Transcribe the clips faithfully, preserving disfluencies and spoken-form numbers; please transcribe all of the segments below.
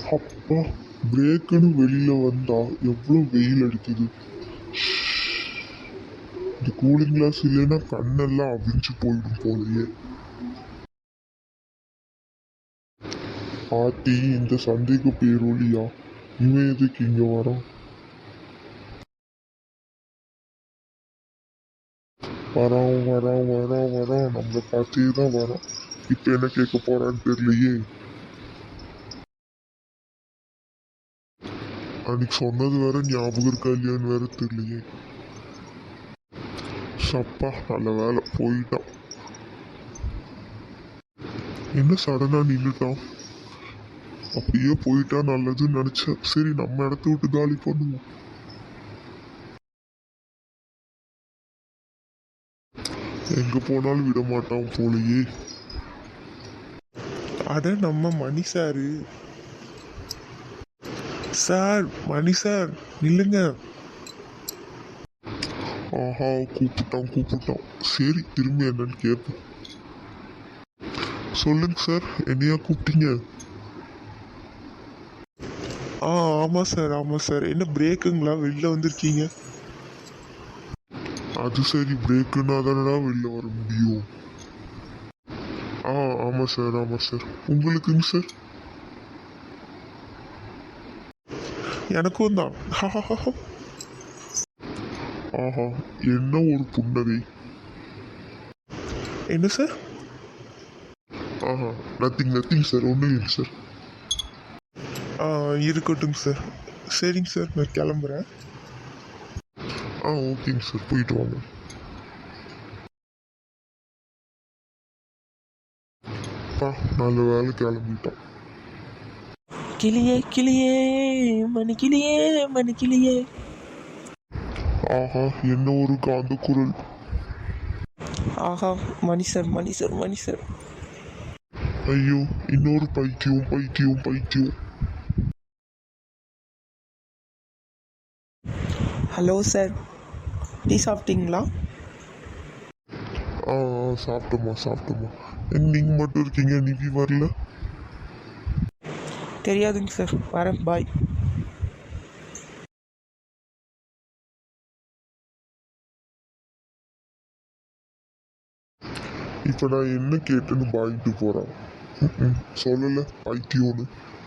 அப்பா, பிரேக்குன்னு வெளியில வந்தா எவ்வளோ வெயில் அடிக்குது. இந்த கூலிங் கிளாஸ் இல்லைன்னா கண்ணெல்லாம் அவிஞ்சு போயிடும் போலயே. ஆத்தி, இந்த சந்தைக்கு பேரொழியா, இவன் எதுக்கு இங்க வரான்? வரான் வரான் வரான் வரான் நம்மளை பார்த்தே தான் வரான். இப்ப என்ன கேட்க போறான்னு தெரியலையே. அன்னைக்கு சொன்னது வேற ஞாபகம் இருக்கா இல்லையான்னு வேற தெரியலையே. சப்பா, நல்ல வேலை போயிட்டான். என்ன சடனா நின்றுட்டான்? அப்படியே போயிட்டா நல்லதுன்னு நினைச்சேன். சரி, நம்ம இடத்த விட்டு காலி பண்ணுவோம். எங்க போனாலும் விட மாட்டான் போலயே. அட, நம்ம Mani sir. Sir, Mani sir, நில்லுங்க. ஆஹா, கூப்பிட்டான் கூப்பிட்டான். சரி, திரும்பி என்னன்னு கேட்போம். சொல்லுங்க சார், என்னையா கூப்பிட்டீங்க? ஆ ஆமாம் சார், ஆமாம் சார். என்ன பிரேக்குங்களா? வெளில வந்திருக்கீங்க? அது சரி, பிரேக்குன்னா தானடா வெளில வர முடியும். ஆ ஆமாம் சார், ஆமாம் சார். உங்களுக்குங்க சார்? எனக்கும் தான். ஆஹா, என்ன ஒரு புன்னகை. என்ன சார்? ஆஹா, நத்திங் நத்திங் சார், ஒன்றும் இல்லைங்க சார். ஆ இருக்கட்டும் சார். சரிங்க சார், நான் கிளம்புறேன். ஆ ஓகேங்க சார், போயிட்டு வாங்க. பா, நல்ல வேலை கிளம்பிட்டோம். கிளியே கிளியே மணி கிளியே மணி கிளியே. ஆஹா, என்ன ஒரு காந்த குரல். ஆஹா, Mani sir, Mani sir, Mani sir. ஐயோ, இன்னொரு பைத்தியம் பைத்தியம் பைத்தியம். ஹலோ சார், டீ சாப்பிட்டீங்களா? ஆ சாப்பிட்டோமா சாப்பிட்டோமா. நீங்கள் மட்டும் இருக்கீங்க, நிவி வரல? தெரியாதுங்க சார், வரேன், பாய். இப்போ நான் என்ன கேட்டுன்னு பாயிட்டு போகிறேன். சொல்லலை பைத்தியோன்னு.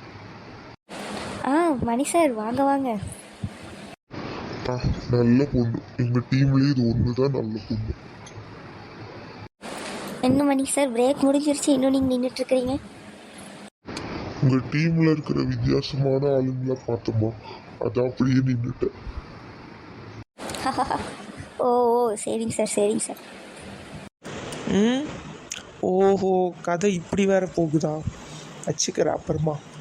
ஆ மணி சார், வாங்க வாங்க. ஆ, நல்ல பொண்ணு. எங்கள் டீம்லேயே இது ஒன்று தான் நல்ல பொண்ணு. என்ன மணி சார், பிரேக் முடிஞ்சிருச்சு, இன்னும் நீங்கள் நின்றுட்டுருக்கிறீங்க? உங்கள் டீமில் இருக்கிற வித்தியாசமான ஆளுங்களை பார்த்தோமா, அதான் அப்படியே நின்றுட்டேன். ஓ ஓ சரிங்க சார், சரிங்க சார். ம் ஓஹோ, கதை இப்படி வேற போகுதா? வச்சுக்கிறேன் அப்புறமா.